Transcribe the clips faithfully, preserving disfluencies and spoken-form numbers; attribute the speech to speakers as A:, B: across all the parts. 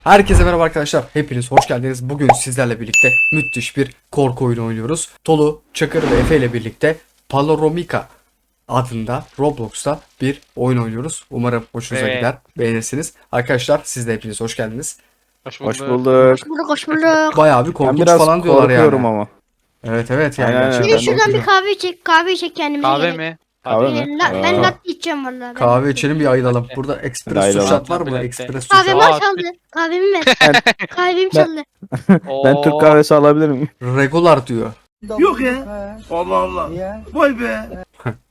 A: Herkese merhaba arkadaşlar. Hepiniz hoş geldiniz. Bugün sizlerle birlikte müthiş bir korku oyunu oynuyoruz. Tolu, Çakır ve Efe ile birlikte Paloromika adında Roblox'ta bir oyun oynuyoruz. Umarım hoşunuza
B: Evet.
A: gider, beğenirsiniz. Arkadaşlar siz de hepiniz hoş geldiniz.
B: Hoş
C: Hoş
B: bulduk.
C: bulduk.
D: Hoş bulduk, hoş bulduk.
A: Bayağı bir
C: Ben
A: korkunç
C: biraz
A: falan diyorlar
C: korkuyorum
A: yani.
C: ama.
A: Evet evet yani
C: Aynen, aynen.
A: gerçekten
D: Şuraya şuradan bir
A: korkutucu.
D: kahve çek, kahve çek kendimize.
B: Kahve
D: gerek.
B: mi?
C: Kahve
B: Hadi.
C: mi?
D: La- ben
C: Aa.
D: latte içeceğim valla. ben
A: Kahve
D: latte.
A: içelim bir ayılalım.
B: Latte.
A: Burada
C: Hadi
A: espresso
C: ayılalım.
A: shot var mı?
B: Latte.
A: Espresso
D: Kahvemi
A: shot.
B: Aa,
D: çaldı. Kahvemi ver. Kahvemi
C: Ben-
D: çaldı.
C: Ben Türk kahvesi alabilir miyim?
A: Regular diyor.
E: Yok ya. Allah Allah. Vay be.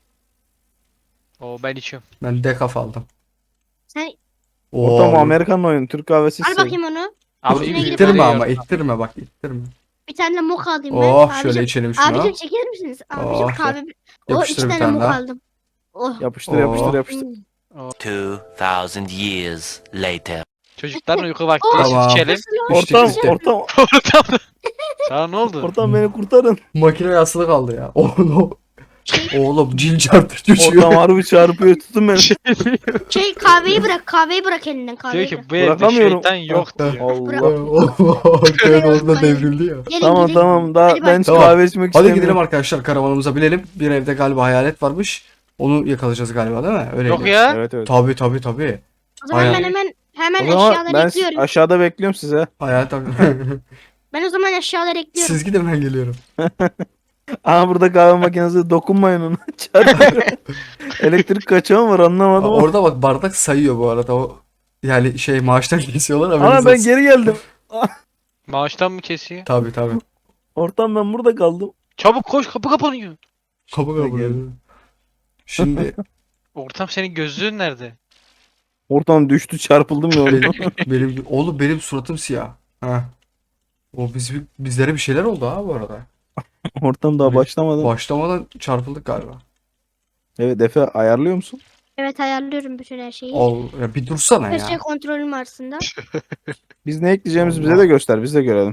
B: Oo, ben içiyorum.
A: Ben decaf aldım.
D: Sen
C: Ortam
A: Oo.
C: Amerikan oyunu. Türk kahvesi
D: al
C: ise.
D: bakayım onu.
B: Abi
A: Dur,
D: Üstüne
B: iyi,
D: gidip-
A: ittirme
B: böyle
A: ama
B: yiyorum.
A: ittirme bak ittirme.
D: Bir tane de mocha alayım ben.
A: Oh
D: Abicim-
A: şöyle içelim şunu.
D: Abicim çekilir misiniz? Abicim
A: Oh,
D: kahve. O
A: yapıştır
D: iki
A: bir
D: tane
A: tane
D: mocha
A: daha.
D: aldım. Oh.
C: Yapıştır yapıştır
A: Oo.
C: yapıştır.
D: Hmm.
F: Two thousand years later.
B: Çocukların uyku vakti.
D: Oh.
B: Süt
A: Tamam.
B: içelim.
D: Nasıl o?
A: İçtik,
C: Ortam
A: içtik.
C: ortam
B: Ortam. Sana ne oldu?
C: ortam beni kurtarın.
A: Makine yaslı kaldı ya. Oğlum.
D: Şey,
A: Oğlum cil çarptı düşüyor.
C: Ortam harbi çarpıyor tutun beni.
D: şey kahveyi bırak, kahveyi bırak elinden
B: Diyor
D: kahveyi
B: ki
D: bırak.
B: bu evde
C: Bırakamıyorum.
B: şeytan yok diyor.
C: Allah.
A: Allah. Arkaya doğru da devrildi ya.
D: Gelin
C: Tamam
D: gidelim.
C: tamam daha
D: Hadi
C: ben
D: bak.
A: Tamam.
C: kahve içmek
A: Hadi
C: istemiyorum.
A: gidelim arkadaşlar karavanımıza binelim. Bir evde galiba hayalet varmış. Onu yakalayacağız galiba değil mi? Öyle.
B: Yok ya.
C: Evet evet.
A: Tabii tabii tabii.
D: O zaman
A: Aynen.
D: ben hemen hemen
C: O zaman
D: eşyaları
C: ben
D: ekliyorum.
C: aşağıda bekliyorum size.
A: Hayalet tabii.
D: Ben o zaman eşyaları ekliyorum.
A: Siz gidin ben geliyorum.
C: Aha burada kahve makinesi dokunmayın ona. Çarpıyor. Elektrik kaçağı mı var anlamadım ama.
A: Orada bak bardak sayıyor bu arada. O yani şey maaştan kesiyorlar
C: Ana
A: haberiniz
C: ben
A: olsun.
C: geri geldim.
B: Maaştan mı kesiyor?
A: Tabii tabii.
C: Ortam ben burada kaldım.
B: Çabuk koş, kapı kapanıyor.
A: Kapı kapı.
C: geldim.
A: Şimdi
B: Ortam, senin gözlüğün nerede?
C: Ortam düştü çarpıldım ya orada.
A: benim oğlum benim suratım siyah. Ha. O biz bizlere bir şeyler oldu ha bu arada.
C: Ortam daha başlamadı.
A: Başlamadan çarpıldık galiba.
C: Evet Efe ayarlıyor musun?
D: Evet ayarlıyorum bütün her şeyi.
A: Ol ya bir dursana
D: Her şey
A: ya.
D: kontrolüm aslında.
C: Biz ne ekleyeceğimizi bize
A: Allah.
C: de göster. Biz de görelim.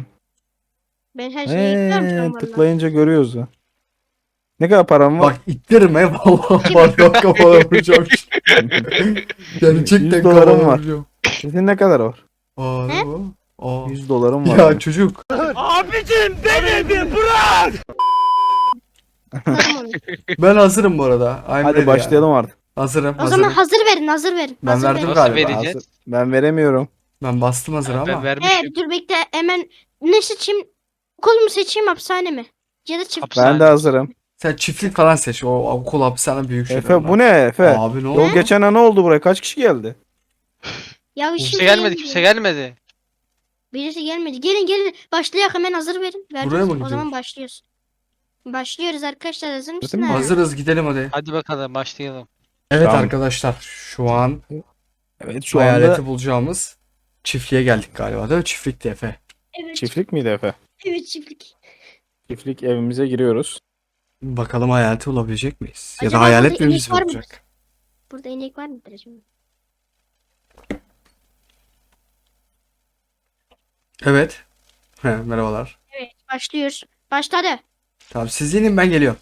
D: Ben her şeyi ekliyorum şu
C: Eee
D: an valla.
C: tıklayınca görüyoruz ya. Ne kadar param var?
A: Bak ittirme vallahi bardak kafana vuracağım. Gerçekten
C: yüz dolarım
A: kafana
C: var.
A: vuracağım.
C: Sizin ne kadar var?
A: Aa ne
D: He?
A: bu? Aa.
C: yüz dolarım var.
A: Ya çocuk.
E: Abicim beni bir bırak.
D: Tamam onu.
A: Ben hazırım bu arada. I'm ready
C: Hadi
A: ya.
C: başlayalım artık.
A: Hazırım
D: O
A: hazırım.
D: zaman hazır verin, hazır verin.
A: Ben
D: hazır
A: verdim
D: verin.
B: Nasıl
A: galiba.
B: vereceğiz?
C: Hazır. Ben veremiyorum.
A: Ben bastım hazır
B: Ben
A: ama.
B: vermişim.
D: Ee, dur bekle hemen ne seçeyim? Okul mu seçeyim, hapishane mi? Ya da çift.
B: Hapishane.
C: Ben de hazırım.
A: Sen çiftlik falan seç. O okul hapishane büyük şey.
C: Efe bu ne Efe?
A: Abi ne
C: Yol
A: oldu?
C: geçen an ne oldu buraya? Kaç kişi geldi?
D: Ya
B: Kimse
D: şimdi
B: gelmedi, kimse gelmedi.
D: Birisi gelmedi. Gelin gelin. Başlayak hemen hazır verin. Verdiniz.
A: Buraya mı
D: O
A: gidiyoruz?
D: zaman başlıyoruz. Başlıyoruz arkadaşlar, hazır
C: mi?
D: mısınız?
A: Hazırız gidelim hadi.
B: Hadi bakalım başlayalım.
A: Evet
C: Tamam.
A: arkadaşlar şu an
C: Evet şu
A: hayaleti
C: anda
A: bulacağımız çiftliğe geldik galiba değil mi? Çiftlikti Efe.
D: Evet,
C: çiftlik miydi Efe?
D: evet çiftlik.
C: Çiftlik evimize giriyoruz.
A: Bakalım hayaleti bulabilecek miyiz? Ya
D: Acaba
A: da hayalet
D: burada
A: mi
D: inek
A: bizi
D: var mı?
A: bulacak?
D: Burada inek var mıdır acaba?
A: Evet. He, merhabalar.
D: Evet başlıyoruz. Başladı.
A: Tamam siz inin ben geliyorum.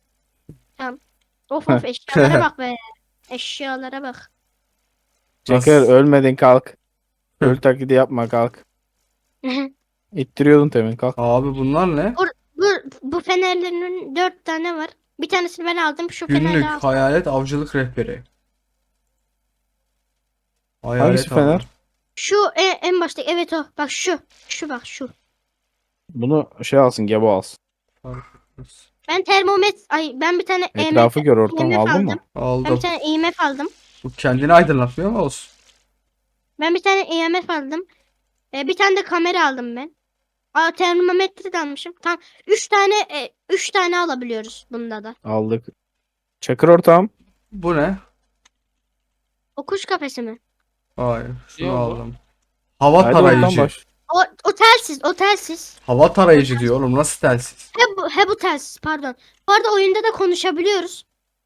D: Of of eşyalara bak be. Eşyalara bak.
C: Çeker
A: Nasıl?
C: ölmedin kalk.
A: Hı.
C: Öl taklidi yapma kalk. İttiriyordun temin kalk.
A: Abi bunlar ne?
D: bu bu fenerlerin dört tane var. Bir tanesini ben aldım. Şu feneri
A: Günlük
D: aldım.
A: hayalet avcılık rehberi. Hayalet
C: Hangisi fener?
A: avcı.
D: Şu en, en başta evet o. Bak şu. Şu bak şu.
C: Bunu şey alsın Gebo alsın.
D: Ben termometre ay ben bir tane E M F,
C: Etrafı gör ortam
D: E M F
C: aldın
D: aldım.
C: mı?
D: Ben
A: Aldım.
D: bir tane E M F aldım.
A: Bu kendini aydınlatmıyor mu olsun?
D: Ben bir tane E M F aldım. Ee, bir tane de kamera aldım ben. Aa, termometre de almışım. Tam üç tane e, üç tane alabiliyoruz bunda da.
C: Aldık. Çakır ortam.
A: Bu ne?
D: O kuş kafesi mi?
A: Hayır. Şunu
B: Yok bu.
A: aldım. Hava
C: Haydi ortam
A: tarayıcı.
C: baş.
D: O, o telsiz, o telsiz.
A: Hava tarayıcı diyor oğlum. Nasıl telsiz?
D: He bu, he bu telsiz pardon. Bu arada oyunda da konuşabiliyoruz.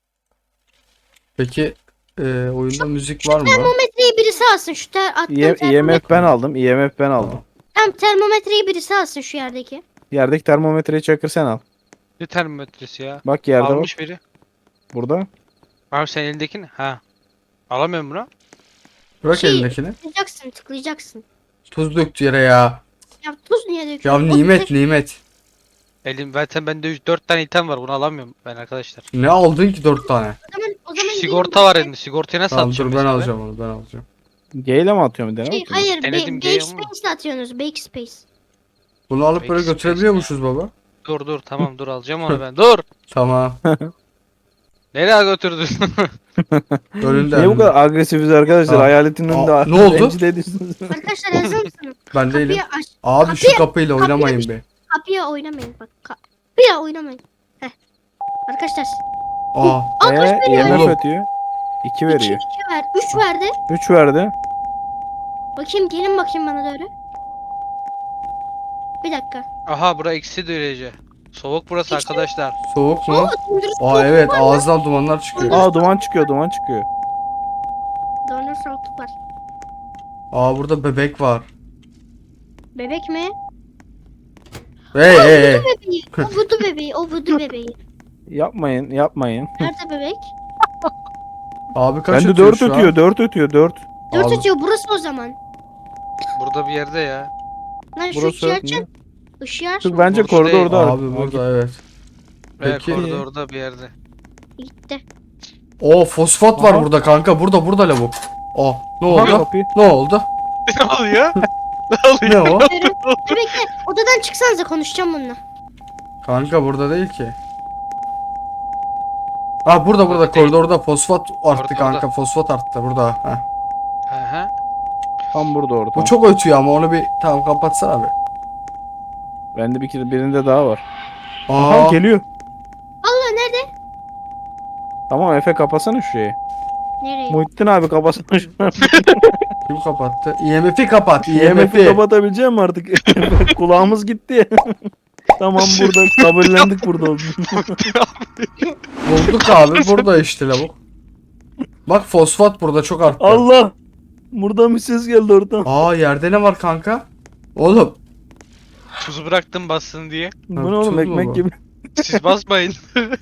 A: Peki e, oyunda müzik var mı?
D: Termometreyi birisi alsın şu ter, attığım
C: İ-
D: termometre.
C: I M F ben aldım. I M F ben aldım.
D: Tam termometreyi birisi alsın şu yerdeki.
C: Yerdeki termometreyi Çakır sen al.
B: Ne termometresi ya?
C: Bak yerde bak.
B: Almış biri.
C: Burada.
B: Abi sen elindekini. Ha. Alamıyorum bunu.
A: Bırak
D: Şey-
A: elindekini.
D: Tıklayacaksın, tıklayacaksın.
A: Tuz döktü yere ya.
D: Ya tuz niye
A: Ya
D: döküyorsun?
A: nimet nimet.
B: Elim zaten bende dört tane item var. Bunu alamıyorum ben arkadaşlar.
A: Ne aldın ki dört tane?
D: O zaman, o zaman
B: Sigorta
D: gidelim
B: var
D: başka-
B: elinde. Sigortayı nasıl
A: Tamam
B: atacağım
A: dur ben
B: mesela
A: alacağım onu ben alacağım.
C: G ile mi atıyorum bir
D: Şey,
C: tane?
D: hayır,
B: Denedim,
D: be,
B: gay
D: Backspace
B: ama.
D: ile atıyorsunuz. Backspace.
A: Bunu alıp böyle
B: Peki,
A: götürebiliyor
B: peki.
A: musunuz baba?
B: Dur dur tamam dur alacağım onu ben. Dur.
A: Tamam.
B: Nereye götürdün?
A: Önünde.
C: Niye bu
A: önünde.
C: kadar agresifiz arkadaşlar?
A: Aa.
C: Hayaletin önünde
A: Aa, ne oldu?
C: rencide ediyorsunuz.
D: Arkadaşlar hazır mısınız?
A: Ben değilim.
D: Kapıyı aç.
A: Abi şu
D: Kapıyı-
A: kapıyla
D: kapıyı
A: oynamayın
D: aç.
A: be.
D: Kapıya oynamayın bak. Kapıya oynamayın. Heh. Arkadaşlar.
A: Aa.
D: Aa kaç
C: Eee
D: veriyor?
C: I M
A: Oğlum.
C: F atıyor. iki
D: İki,
C: veriyor.
D: iki ver. Üç verdi.
C: üç verdi.
D: Bakayım gelin bakayım bana doğru. Bir dakika.
B: Aha bura eksi derece. Soğuk burası arkadaşlar.
A: Soğuk mu?
D: Oo, dondurucu
A: Aa
D: soğukluk
A: evet
D: var.
A: ağızdan dumanlar çıkıyor.
C: Aa duman çıkıyor duman çıkıyor.
D: Dondurucu soğukluk var.
A: Aa burada bebek var.
D: Bebek mi?
A: Hey hey hey.
D: Bebeği. O vudu bebeği. O vudu bebeği.
C: Yapmayın yapmayın.
D: Nerede bebek?
A: Abi kaç
C: Bende
A: ötüyor
C: dört
A: şu an?
C: ötüyor dört ötüyor dört.
D: Dört
A: Abi.
D: ötüyor. Burası o zaman.
B: Burada bir yerde ya.
D: Lan şu
C: Burası
D: ışığı
C: ne?
D: açın. Işığı aç.
C: Dur bence
B: Burası değil.
C: koridorda.
A: Abi burada evet.
B: Evet
A: Peki.
B: koridorda bir yerde.
D: Gitti.
A: Oo fosfat var
C: Aha.
A: burada kanka. Burada burada lavuk. Aa ne
C: Aha,
A: oldu?
C: kapıyı.
A: Ne oldu?
B: Ne oluyor? Ne
A: Ne
B: oluyor?
A: o?
D: Dur bekle. Odadan çıksanıza konuşacağım bununla.
A: Kanka burada değil ki. Ha burada burada
B: Değil.
A: koridorda fosfat arttı
B: Koridorda.
A: kanka. Fosfat arttı burada. Heh.
B: Hı hı.
C: Tam burada orada.
A: Bu çok ötüyor ama onu bir tamam kapatsana abi.
C: Bende bir kere birinde daha var.
A: Aa
C: Aha geliyor.
D: Allah nerede?
C: Tamam Efe kapasana şurayı.
D: Nereye?
C: Muhittin abi kapasana şunu.
A: kim kapattı? I M F'i kapat. I
C: I
A: M
C: M F'i
A: F'i.
C: kapatabilecek misin artık? Kulağımız gitti. Tamam burada kabullendik burada olduğunu.
A: Bulduk abi. Burada işte lavuk. Bak fosfat burada çok arttı.
C: Allah! Buradan bir ses geldi oradan.
A: Aa yerde ne var kanka? Oğlum.
B: Tuzu bıraktım bassın diye.
C: Bu ne oğlum
A: tuz mu
C: ekmek
A: bu?
C: gibi.
B: Siz basmayın.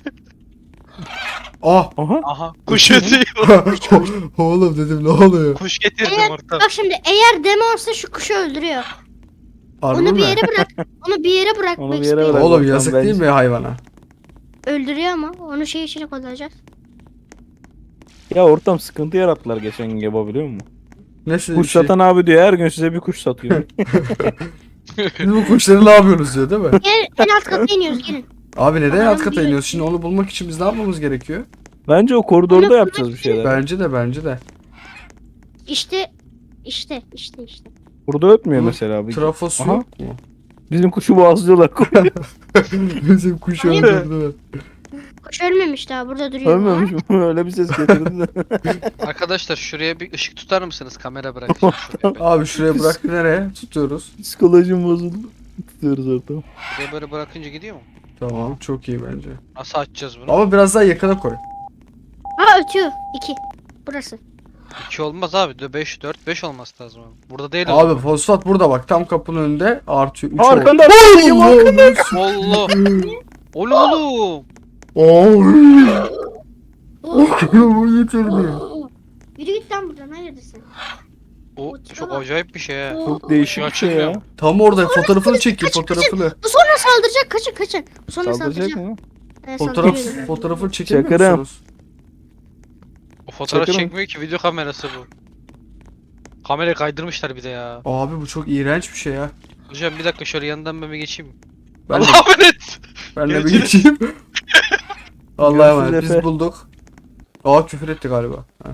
A: Ah.
C: Aha.
B: Aha kuş ötüyor.
A: Oğlum dedim ne oluyor?
B: Kuş getirdim
D: Eğer,
B: ortam.
D: bak şimdi eğer demonsa şu kuşu öldürüyor.
A: Harbi
D: Onu bir
A: mi?
D: yere bırak. Onu bir yere bırak.
C: Onu bir
D: Max
C: yere
D: Payne.
C: bırak.
A: Oğlum
C: Bakalım
A: yazık
C: bence.
A: değil mi hayvana?
D: Öldürüyor ama onu şey içine koyacağız.
C: Ya ortam sıkıntı yarattılar geçen gün Geba biliyor musun?
A: Ne siz
C: Kuş
A: bir şey?
C: satan abi diyor her gün size bir kuş satıyor.
A: Siz bu kuşları ne yapıyorsunuz diyor değil mi?
D: Gel en alt kata iniyoruz gelin.
A: Abi neden
D: Adam
A: alt kata
D: diyor
A: iniyoruz?
D: ki-
A: Şimdi onu bulmak için biz ne yapmamız gerekiyor?
C: Bence o koridorda
D: Onu
C: yapacağız bir şeyler.
A: Bence de bence de.
D: İşte işte işte işte.
C: Burada ötmüyor
A: Bunun
C: mesela abi.
A: Trafosu
C: Aha.
A: yok mu?
C: Bizim kuşu boğazlıyorlar.
A: Bizim kuş öldürdüler.
D: Kuş ölmemiş daha burada duruyor.
C: Ölmemiş mi? Öyle bir ses getirdi.
B: Arkadaşlar şuraya bir ışık tutar mısınız? Kamera bırakacağım şuraya. Ben.
A: Abi şuraya bırak nereye? Tutuyoruz.
C: Psikolojim bozuldu. Tutuyoruz ortamı.
B: Buraya böyle bırakınca gidiyor mu?
A: Tamam çok iyi bence.
B: Nasıl açacağız bunu?
A: Ama biraz daha yakına koy.
D: Ha ötüyor. İki. Burası.
B: iki olmaz abi. beş, dört, beş olması lazım. abi. Burada değil o
A: Abi
B: zaman.
A: fosfat burada bak tam kapının önünde artıyor. üç
C: Arkanda
A: oldu.
C: arkanda.
B: Allah. Oğlum oğlum.
A: Oy. Bu yeterli.
D: Yürü git lan buradan hayırdırsın.
B: O çok acayip bir şey ha.
C: Çok değişik bir şey ya.
B: Açılmıyor.
A: Tam orada fotoğrafını çekin
D: kaçın,
A: fotoğrafını.
D: Bu sonra saldıracak kaçın kaçın. Bu sonra
C: Saldıracak
D: saldıracak.
C: mı?
D: Ee,
A: Fotoğraf
D: saldırıyor.
A: fotoğrafını çekemiyor
C: Çakarım.
A: musunuz?
B: O fotoğraf
C: Çakırım.
B: çekmiyor ki video kamerası bu. Kamerayı kaydırmışlar bir de ya.
A: Abi bu çok iğrenç bir şey ya.
B: Hocam bir dakika şöyle yanından ben bir geçeyim.
A: Ben de,
B: Allah'a emanet.
A: ben de bir
B: Görüşürüz.
A: geçeyim. Allah'a
C: Görüşürüz
A: emanet biz
C: Efe.
A: bulduk. Aa küfür etti galiba. Ha.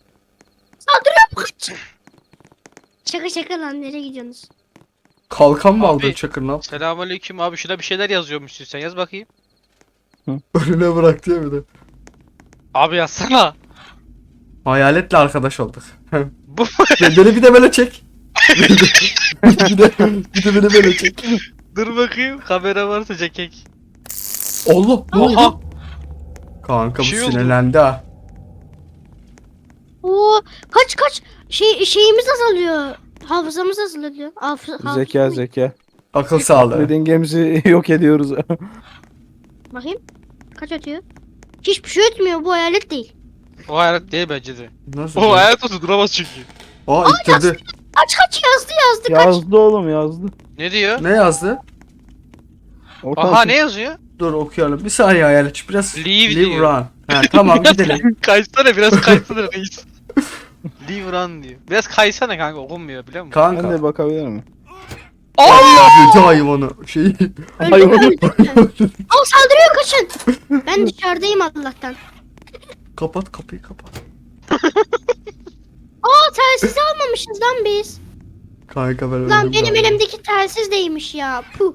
D: Kaç. Şaka şaka lan nereye gidiyorsunuz?
A: Kalkan mı
B: Abi.
A: aldın Çakır ne yaptın?
B: Selamünaleyküm abi şurada bir şeyler yazıyormuşsun sen yaz bakayım.
A: Önüne bırak diye bir de.
B: Abi yazsana.
A: Hayaletle arkadaş olduk.
B: Bu
A: Beni bir de böyle çek. bir de bir de beni böyle çek.
B: dur bakayım kamera varsa çekek.
A: Allah ne oldu?
B: Oha.
A: Kanka bu
B: Bir şey oldu.
A: sinirlendi ha.
D: Oo kaç kaç şey şeyimiz azalıyor. Hafızamız azalıyor. Hafız,
C: Zeka zeka.
A: Akıl sağlığı.
C: Dediğin gemisi yok ediyoruz.
D: Bakayım. Kaç atıyor? Hiçbir şey ötmüyor bu hayalet değil.
B: O hayat değil bence de.
A: Nasıl?
B: O hayat olsa duramaz çünkü.
A: Aa ittirdi.
D: Kaç kaç yazdı yazdı kaç.
C: Yazdı oğlum yazdı.
B: Ne diyor?
A: Ne yazdı?
C: Ortam
B: Aha ne yazıyor?
A: Dur okuyalım. Bir saniye hayalet. Biraz
B: Leave
A: live
B: diyor.
A: run. He, tamam gidelim.
B: Kaysana biraz kaysana reis. Leave run diyor. Biraz kaysana kanka okunmuyor biliyor musun?
C: Ben
A: Kanka.
C: de bakabilir miyim?
A: Kötü hayvanı. Şey.
D: Öldüm
C: Hayvan.
D: öldüm. Al saldırıyor kaçın. Ben dışarıdayım Allah'tan.
A: Kapat kapıyı kapat.
D: Aa telsiz almamışız lan biz.
A: Kanka ben
D: Lan
A: öldüm
D: benim
A: galiba.
D: elimdeki telsiz değilmiş ya. Puh.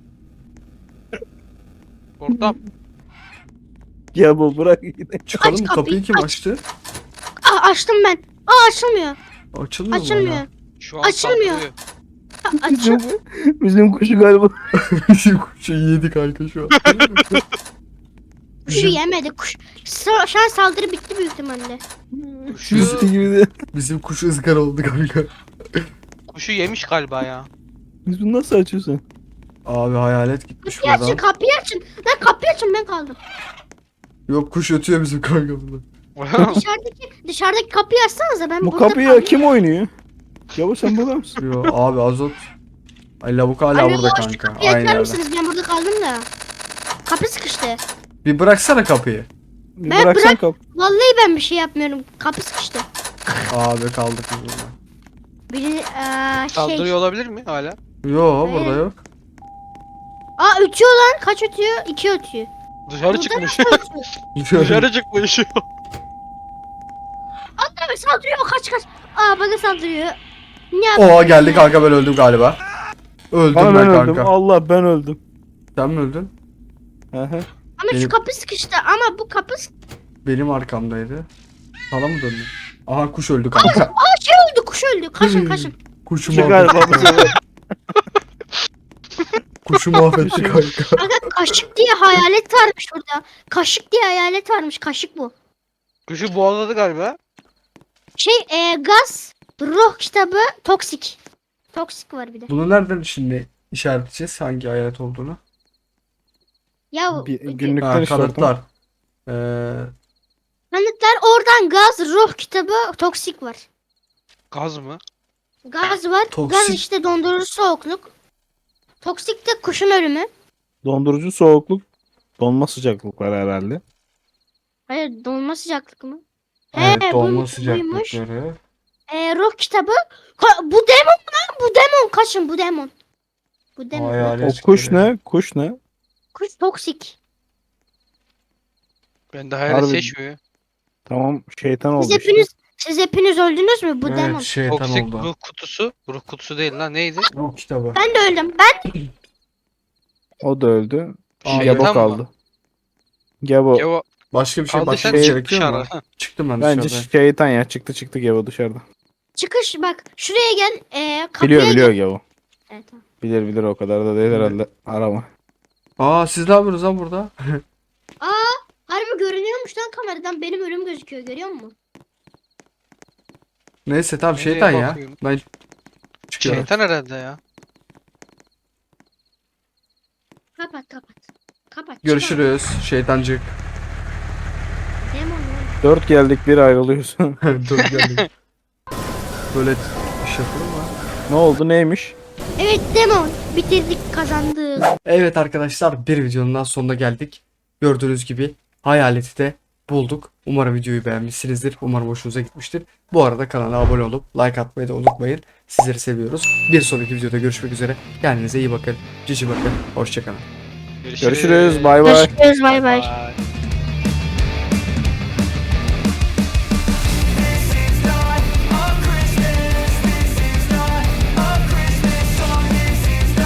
B: Ortam.
C: Ya bu bırak gidelim.
A: Çıkalım
D: Aç
A: mı?
D: kapıyı,
A: Kapıyı kim
D: aç.
A: açtı?
D: Aa açtım ben. Aa açılmıyor.
A: Açılmıyor mu
D: Açılmıyor.
A: hala?
B: Şu an
D: Açılmıyor.
B: saldırıyor.
D: Aa, açıl.
C: Bizim, bizim kuşu galiba.
A: Bizim kuşu yedi kanka şu an.
D: Kuşu yemedi. Kuş. Sa- Şu an saldırı bitti büyük ihtimalle.
B: Kuşu,
C: Üstü gibi de.
A: Bizim kuş ızgara oldu kanka.
B: kuşu yemiş galiba ya.
C: Biz bunu nasıl açıyorsun?
A: Abi hayalet gitmiş
D: Kapıyı açın
A: buradan.
D: kapıyı açın. Lan kapıyı açın ben kaldım.
A: Yok kuş ötüyor bizim kanka burada.
D: Dışarıdaki dışarıdaki kapıyı açsanıza ben
C: Bu
D: burada
C: kapıyı
D: kaldım.
C: kim oynuyor? Yavuz sen burada mısın?
A: Yo abi azot. Ay lavuk hala
D: Anne,
A: burada
D: boş,
A: kanka.
D: kapıyı
A: Aynı
D: açar
A: yerde.
D: mısınız? Ben burada kaldım da. Kapı sıkıştı.
A: Bir bıraksana kapıyı.
C: Bir
D: Ben
C: bıraksan
D: bırak-
C: kap.
D: Vallahi ben bir şey yapmıyorum. Kapı sıkıştı.
A: Abi kaldık biz burada.
D: Biri eee, şey.
B: Saldırıyor olabilir mi hala?
A: Yo
D: Hayır.
A: burada yok.
D: Aa ötüyor lan. Kaç ötüyor? İki ötüyor.
B: Dışarı
D: Burada
B: çıkmış.
D: nasıl ötüyor?
B: Dışarı çıkmış.
D: Anne saldırıyor. Kaç kaç. Aa bana saldırıyor. Ne yap?
A: Oha geldi kanka ben öldüm galiba. Öldüm
C: Ama
A: ben,
C: ben
A: kanka.
C: öldüm. Allah ben öldüm.
A: Sen mi öldün?
C: Hı hı.
D: Ama
A: benim-
D: şu kapı sıkıştı. Ama bu kapı sık-
A: Benim arkamdaydı. Sana mı döndün? Aha kuş öldü kanka.
D: Aa şey öldü. Kuş öldü. Kaçın kaçın.
A: Kuşu
C: Şu galiba bu
A: mahvetti.
C: sefer.
A: Kuşu mahvetti kanka.
D: Kanka kaşık diye hayalet varmış burada. Kaşık diye hayalet varmış. Kaşık bu.
B: Kuşu boğazladı galiba.
D: Şey eee, gaz. Ruh kitabı. Toksik. Toksik var bir de.
A: Bunu nereden şimdi işaretleyeceğiz hangi hayalet olduğunu?
D: Ya
C: Bir-
D: bir-
C: günlükten
A: Ha,
C: işte
A: kanıtlar. Ee,
D: kanıtlar oradan gaz, ruh kitabı, toksik var.
B: Gaz mı?
D: Gaz var.
A: Toksik-
D: Gaz işte dondurucu soğukluk. Toksik de kuşun ölümü.
C: Dondurucu soğukluk. Donma sıcaklık var herhalde.
D: Hayır donma sıcaklık mı?
A: evet
D: He,
A: dolma
D: buymuş,
A: sıcaklıkları.
D: Ee, ruh kitabı. Ka- bu demon lan bu demon. Kaçın bu demon. Bu demon.
A: Hayalet
C: O kuş
A: görevi.
C: ne? Kuş ne?
D: Kuş toksik.
B: Ben de hayal
C: Harbi.
B: seçmiyor.
C: Tamam şeytan oldu
D: Siz
C: işte.
D: hepiniz siz hepiniz öldünüz mü bu demon?
A: Evet şeytan
B: Toksik
A: oldu.
B: ruh kutusu. Ruh kutusu değil lan neydi?
A: Ruh kitabı.
D: Ben de öldüm. Ben
C: O da öldü.
A: Aa,
C: Gebo
B: Şeytan
C: kaldı.
B: mı?
C: Gebo.
B: Ya o
A: Başka bir şey
B: kaldı
A: başka
B: sen
A: bir şey
B: çık
A: gerekiyor mu?
B: dışarı.
A: Çıktım ben
C: Bence
A: dışarıda.
C: şeytan ya. Çıktı çıktı Gebo dışarıda.
D: çıkış bak şuraya gel. Ee, kapıya
C: Biliyor biliyor
D: gel.
C: Gebo.
D: Evet, tamam.
C: Bilir bilir o kadar da değil herhalde. Arama.
A: Aa siz ne yapıyorsunuz lan burada?
D: Harbi görünüyormuş lan kameradan. Benim ölüm gözüküyor görüyor musun?
A: Neyse tamam
B: Nereye
A: şeytan ya.
B: bakıyorum?
A: Ben çıkıyorum.
B: Şeytan herhalde ya.
D: Kapat kapat. Kapat.
A: Görüşürüz şeytancık.
D: çıkar. Demon lan.
C: Dört geldik bir ayrılıyorsun.
A: Dur geldik. Böyle iş yapılır mı?
C: Ne oldu neymiş?
D: Evet demon. Bitirdik kazandık.
A: Evet arkadaşlar bir videonun daha sonuna geldik. Gördüğünüz gibi hayaleti de bulduk. Umarım videoyu beğenmişsinizdir. Umarım hoşunuza gitmiştir. Bu arada kanala abone olup like atmayı da unutmayın. Sizleri seviyoruz. Bir sonraki videoda görüşmek üzere. Kendinize iyi bakın. Cici bakın. Hoşçakalın.
C: Görüşürüz. Bay bay.
D: Görüşürüz bay bay.
B: Bye.